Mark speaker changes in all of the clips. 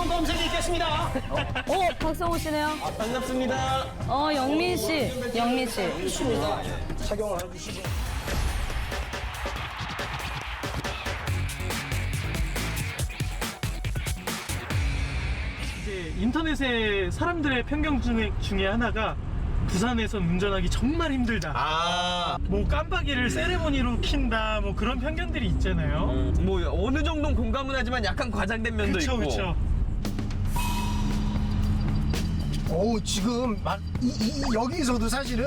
Speaker 1: 신호 검색이 있겠습니다.
Speaker 2: 박성호 씨네요.
Speaker 1: 반갑습니다.
Speaker 2: 영민 씨. 영민 씨.
Speaker 1: 착용을 해주시고.
Speaker 3: 이제 인터넷에 사람들의 편견 중에 하나가 부산에선 운전하기 정말 힘들다. 뭐 깜빡이를 세레모니로 킨다. 뭐 그런 편견들이 있잖아요.
Speaker 4: 뭐 어느 정도는 공감은 하지만 약간 과장된 면도
Speaker 3: 그쵸,
Speaker 4: 있고.
Speaker 3: 그쵸.
Speaker 5: 오, 지금 막 여기서도 사실은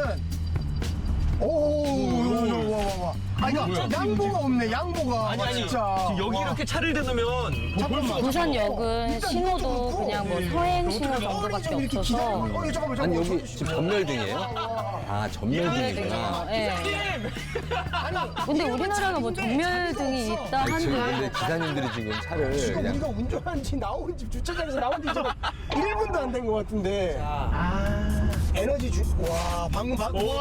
Speaker 5: 와. 아니,
Speaker 4: 뭐야?
Speaker 5: 양보가 없네, 양보가.
Speaker 4: 아니
Speaker 5: 진짜.
Speaker 4: 지금 여기
Speaker 5: 와.
Speaker 4: 이렇게 차를 대놓으면
Speaker 5: 잠깐만,
Speaker 2: 부산역은
Speaker 5: 일단
Speaker 2: 신호도
Speaker 5: 이쪽으로
Speaker 2: 그냥 뭐
Speaker 5: 네.
Speaker 2: 서행
Speaker 5: 어떻게
Speaker 2: 신호
Speaker 5: 어린이
Speaker 2: 정도밖에
Speaker 5: 좀 이렇게
Speaker 2: 없어서.
Speaker 5: 기다려. 잠깐만.
Speaker 6: 아니 여기 지금 전멸등이에요? 아 전멸등이구나.
Speaker 2: 예. 근데 우리나라가 뭐 전멸등이 있다
Speaker 6: 아니, 지금 근데
Speaker 2: 한들
Speaker 6: 기사님들이 지금 차를
Speaker 5: 지금
Speaker 6: 그냥
Speaker 5: 우리가 운전한 지 나온 집 주차장에서 나온 지 지금 1분도 안 된 것 같은데. 에너지 와, 방금.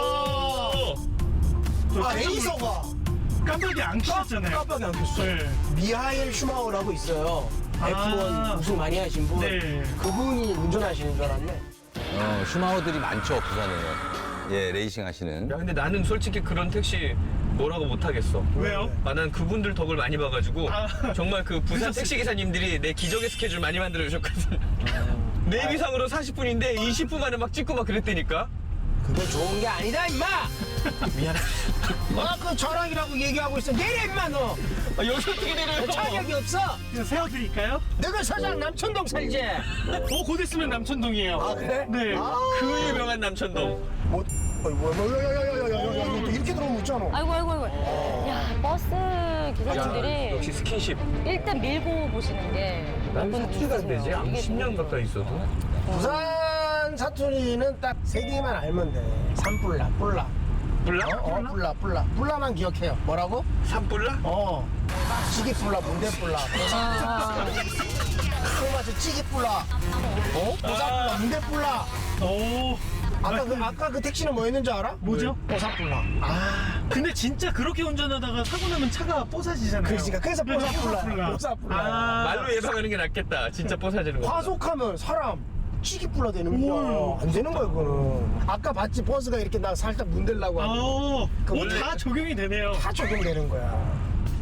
Speaker 5: 아, 레이서가.
Speaker 3: 깜빡이 안 켰잖아요.
Speaker 5: 깜빡이 안 켰어.
Speaker 3: 네.
Speaker 5: 미하엘 슈마우라고 있어요. F1 우승 많이 하신 분.
Speaker 3: 네.
Speaker 5: 그분이 운전하시는 줄 알았네.
Speaker 6: 슈마우들이 많죠 부산에. 예 레이싱 하시는.
Speaker 4: 야 근데 나는 솔직히 그런 택시 뭐라고 못하겠어.
Speaker 3: 왜요?
Speaker 4: 난 그분들 덕을 많이 봐가지고 정말 그 부산 택시 기사님들이 내 기적의 스케줄 많이 만들어 주셨거든. 내비상으로 40분인데 20분 만에 막 찍고 막 그랬다니까.
Speaker 5: 그거 좋은 게 아니다, 임마!
Speaker 4: 미안해.
Speaker 5: 그 저랑이라고 얘기하고 있어. 내려, 임마, 너!
Speaker 4: 여기 어떻게 내려요?
Speaker 5: 차력이 없어!
Speaker 3: 그냥 세워드릴까요?
Speaker 5: 내가 사장 남천동 살지?
Speaker 3: 곧 있으면 남천동이에요.
Speaker 5: 아, 그래?
Speaker 3: 네.
Speaker 4: 그 유명한 남천동.
Speaker 5: 뭐, 야야야야야야야야, 이렇게 들어오면 웃잖아.
Speaker 2: 아이고. 야, 버스 기사님들이
Speaker 4: 역시 스킨십.
Speaker 2: 일단 밀고 보시는 게
Speaker 4: 난
Speaker 2: 몇 분
Speaker 4: 사투리가 안 되지? 한
Speaker 2: 이게
Speaker 4: 10년 가까이 있어도.
Speaker 5: 부산 사투리는 딱 세 개만 알면 돼. 산불라, 뿔라.
Speaker 4: 불라?
Speaker 5: 뿔라. 뿔라만 기억해요. 뭐라고?
Speaker 4: 산불라?
Speaker 5: 찌개 뿔라, 문대 뿔라. 그맞아 찌개 뿔라. 보사 뿔라, 문대 뿔라.
Speaker 3: 오.
Speaker 5: 아까 그 택시는 뭐였는지 알아?
Speaker 3: 뭐죠?
Speaker 5: 보사 뿔라.
Speaker 3: 근데 진짜 그렇게 운전하다가 사고 나면 차가 뽀사지잖아요.
Speaker 5: 그래서 보사 뿔라. 보사 뿔라.
Speaker 4: 말로 예방하는 게 낫겠다. 진짜 뽀사지는 거.
Speaker 5: 과속하면 사람 찌개 뿔라 되는 거야. 안 되는 거야, 그거는. 아까 봤지, 버스가 이렇게 나 살짝 문대려고 하고.
Speaker 3: 뭐 다 적용이 되네요.
Speaker 5: 다 적용되는 거야.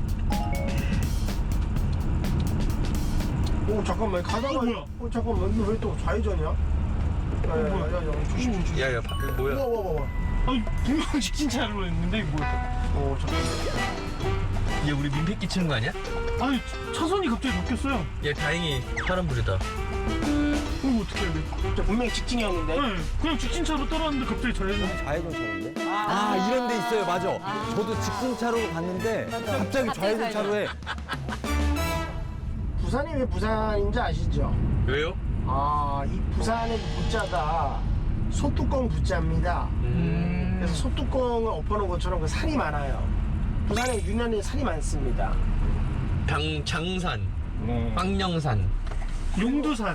Speaker 5: 오, 잠깐만, 가다가.
Speaker 3: 뭐야?
Speaker 5: 잠깐만, 이거 왜 또 좌회전이야? 야, 조심.
Speaker 4: 야야 뭐야?
Speaker 5: 와.
Speaker 3: 아니, 분명 직진차로 했는데 이거 뭐야?
Speaker 5: 잠깐만.
Speaker 4: 얘 우리 민폐 끼치는 거 아니야?
Speaker 3: 아니, 차선이 갑자기 바뀌었어요.
Speaker 4: 얘 다행히 파란불이다.
Speaker 3: 그럼 어떻게 해야 돼?
Speaker 5: 저 분명히 직진이었는데.
Speaker 3: 네, 그냥 직진차로 따라왔는데 갑자기 좌회전.
Speaker 6: 좌회전 차로인데? 이런 데 있어요 맞아. 저도 직진차로 갔는데 갑자기 좌회전 차로에
Speaker 5: 부산이 왜 부산인지 아시죠?
Speaker 4: 왜요?
Speaker 5: 이 부산의 부자가 소뚜껑 부자입니다. 그래서 소뚜껑을 엎어놓은 것처럼 그 살이 많아요. 부산에 유난히 살이 많습니다.
Speaker 4: 장산, 빵령산.
Speaker 3: 용두산.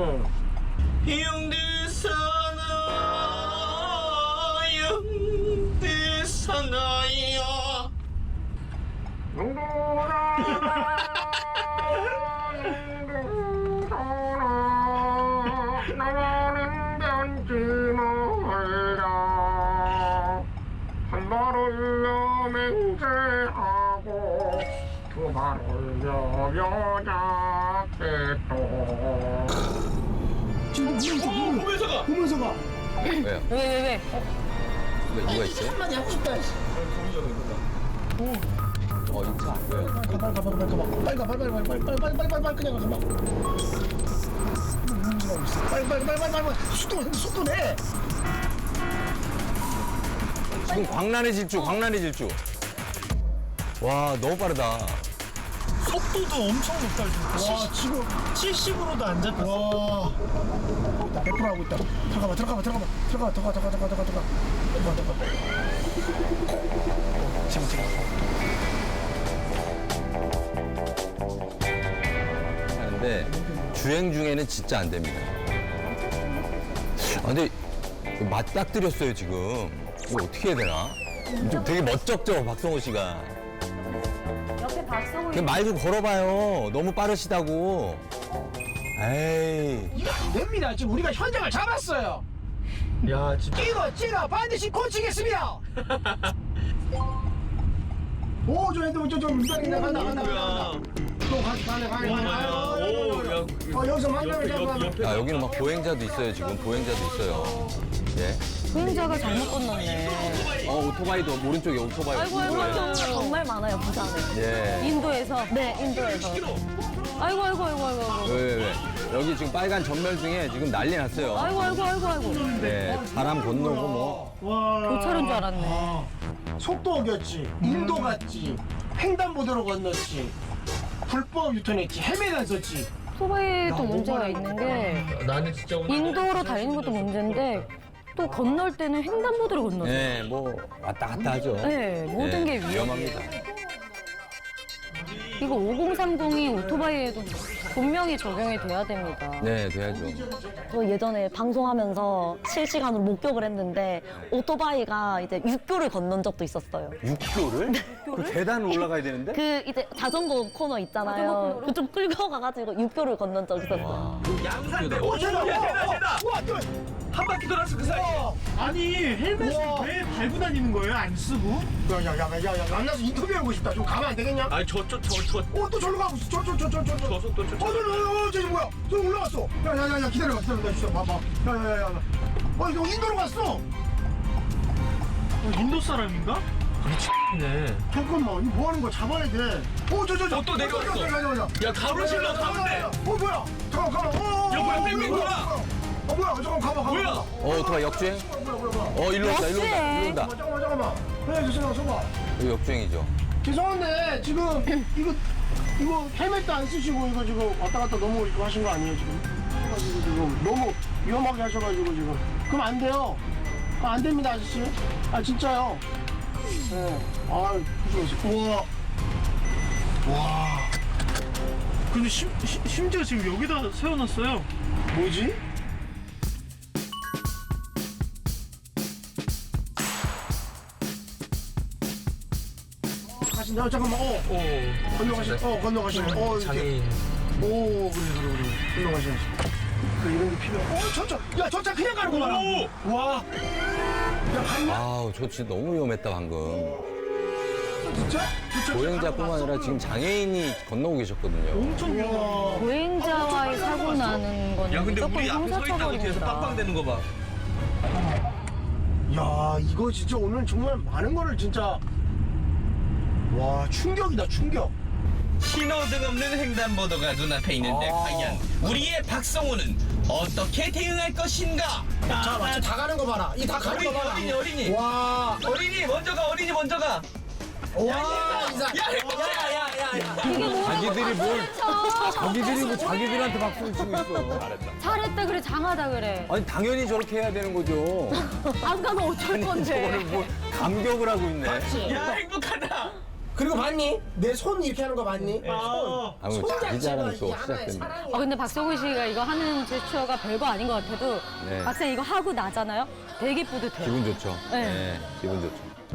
Speaker 4: 용두산아요.
Speaker 5: 나는 단지 몰라 한 발 올려 맹세하고 두 발 올려 여자께 또 지금
Speaker 4: 보면서가.
Speaker 5: 보면서가
Speaker 6: 왜요?
Speaker 2: 왜?
Speaker 6: 왜 누가 있어요?
Speaker 5: 한마디 하고 싶다.
Speaker 6: 이 차 왜요?
Speaker 5: 빨리 가 그냥 가봐. 빨리 속도 내.
Speaker 6: 지금 광란의 질주. 와 너무 빠르다.
Speaker 3: 속도도 엄청 높다.
Speaker 5: 와, 지금
Speaker 3: 70으로도 안 잡혔어.
Speaker 5: 와, 100% 하고 있다. 들어가. 잠깐.
Speaker 6: 하는데 주행 중에는 진짜 안 됩니다. 근데 맞닥뜨렸어요 지금. 이거 어떻게 해야 되나? 좀 되게 멋쩍죠 박성호 씨가.
Speaker 2: 옆에 박성호
Speaker 6: 그냥 말 좀 걸어봐요. 너무 빠르시다고. 에이.
Speaker 5: 이거 안 됩니다. 지금 우리가 현장을 잡았어요.
Speaker 4: 야 진짜.
Speaker 5: 찍어 반드시 고치겠습니다. 오, 저 핸드폰 좀 간다.
Speaker 4: 뭐야?
Speaker 5: 또 가네. 여기서 만나면 잡아.
Speaker 6: 야, 여기는 막 보행자도 있어요, 지금. 보행자도 있어요. 예.
Speaker 2: 보행자가 잘못 건넜네.
Speaker 6: 오토바이도, 오른쪽에 오토바이.
Speaker 2: 아이고, 정말 많아요, 부산에.
Speaker 6: 예.
Speaker 2: 인도에서. 네, 인도에서. 아이고.
Speaker 6: 왜. 여기 지금 빨간 전멸 중에 지금 난리 났어요.
Speaker 2: 아이고.
Speaker 6: 네. 사람 건너고 뭐.
Speaker 3: 와.
Speaker 2: 교차로인 줄 알았네.
Speaker 5: 속도 어겼지. 인도 갔지. 횡단보도로 건넜지. 불법 유턴했지. 헬멧 안 썼지.
Speaker 2: 오토바이도 문제가 있는 게
Speaker 4: 나는 진짜 오늘
Speaker 2: 인도로 달리는 것도 문제인데 또 건널 때는 횡단보도를 건너죠.
Speaker 6: 네, 뭐 왔다 갔다 하죠.
Speaker 2: 네, 모든 게
Speaker 6: 위험합니다.
Speaker 2: 이거 5030이 오토바이에도 분명히 적용이 돼야 됩니다.
Speaker 6: 네, 돼야죠.
Speaker 7: 저 예전에 방송하면서 실시간으로 목격을 했는데 오토바이가 이제 육교를 건넌 적도 있었어요.
Speaker 6: 육교를? 그 계단 올라가야 되는데?
Speaker 7: 그 이제 자전거 코너 있잖아요. 그쪽 끌고 가가지고 육교를 건넌 적 있었어요.
Speaker 4: 양산대.
Speaker 5: 오, 쟤다.
Speaker 4: 와, 한 바퀴 돌았어 그 사이에.
Speaker 3: 아니 헬멧을
Speaker 5: 우와.
Speaker 3: 왜 달고 다니는 거예요? 안 쓰고?
Speaker 5: 야, 만나서 인터뷰하고 싶다. 좀 가면 안 되겠냐?
Speaker 4: 아니 저.
Speaker 5: 또 저리로 가고 있어. 저
Speaker 4: 속도
Speaker 5: 저기 뭐야? 저 올라갔어. 야, 기다려봐. 진짜 봐봐. 야. 이거 인도로 갔어.
Speaker 3: 인도 사람인가?
Speaker 4: 네.
Speaker 5: 잠깐만, 이거 뭐 하는 거야? 잡아야 돼. 저.
Speaker 4: 또 내려왔어. 야 가로질러 가는데.
Speaker 5: 뭐야? 잠깐만.
Speaker 4: 야, 뭐야, 뺑뺑이구나.
Speaker 5: 뭐야? 잠깐 가봐.
Speaker 4: 뭐야?
Speaker 6: 오토바이 역주행?
Speaker 5: 뭐야?
Speaker 6: 일로 온다.
Speaker 5: 잠깐만. 네, 죄송합니다.
Speaker 6: 이거 역주행이죠.
Speaker 5: 죄송한데 지금 이거 헬멧도 안 쓰시고 이거 지금 왔다 갔다 너무 이거 하신 거 아니에요 지금? 그래가지고 지금 너무 위험하게 하셔가지고 지금 그럼 안 돼요. 안 됩니다 아저씨. 진짜요. 네. 조심하세요. 우와.
Speaker 3: 근데 심지어 지금 여기다 세워놨어요.
Speaker 5: 뭐지? 가신다. 잠깐만. 건너가시네. 이렇게.
Speaker 4: 장애인.
Speaker 5: 오, 그래. 건너가시네. 이런 게 필요해. 저 차 그냥 가는 거 봐라. 와. 야, 갔냐?
Speaker 6: 아우, 저 진짜 너무 위험했다, 방금.
Speaker 5: 진짜?
Speaker 6: 보행자뿐만 아니라 지금 장애인이 건너고 계셨거든요.
Speaker 3: 엄청 위험해.
Speaker 2: 보행자와의 사고 나는 거는
Speaker 4: 야 근데
Speaker 2: 무조건
Speaker 4: 우리 앞에 서 있다고 뒤에서
Speaker 2: 형사처벌입니다.
Speaker 4: 빵빵대는 거 봐.
Speaker 5: 야, 이거 진짜 오늘 정말 많은 거를 진짜. 와, 충격이다, 충격.
Speaker 4: 신호등 없는 횡단보도가 눈앞에 있는데 과연 우리의 박성호는 어떻게 대응할 것인가?
Speaker 5: 자, 맞죠? 다 가는 거 봐라. 이 다 가는 거 봐라.
Speaker 4: 어린이.
Speaker 5: 와.
Speaker 4: 어린이 먼저 가.
Speaker 5: 와, 이사.
Speaker 4: 야.
Speaker 2: 이게 뭐
Speaker 6: 자기들이 자기들이 뭐 자기들한테 박수를 치고 있어.
Speaker 2: 잘했다 그래, 장하다 그래.
Speaker 6: 아니, 당연히 저렇게 해야 되는 거죠.
Speaker 2: 안 가면 어쩔
Speaker 6: 저거를
Speaker 2: 건데.
Speaker 6: 뭐 감격을 하고 있네.
Speaker 4: 야 행복하다.
Speaker 5: 그리고 봤니? 내 손 이렇게 하는 거 봤니?
Speaker 3: 아,
Speaker 6: 아, 뭐 자기 자랑이 또 시작됩니다.
Speaker 2: 근데 박성훈 씨가 이거 하는 제스처가 별거 아닌 것 같아도
Speaker 6: 네.
Speaker 2: 막상 이거 하고 나잖아요. 되게 뿌듯해요.
Speaker 6: 기분 좋죠.
Speaker 2: 네.
Speaker 6: 네, 기분 좋죠.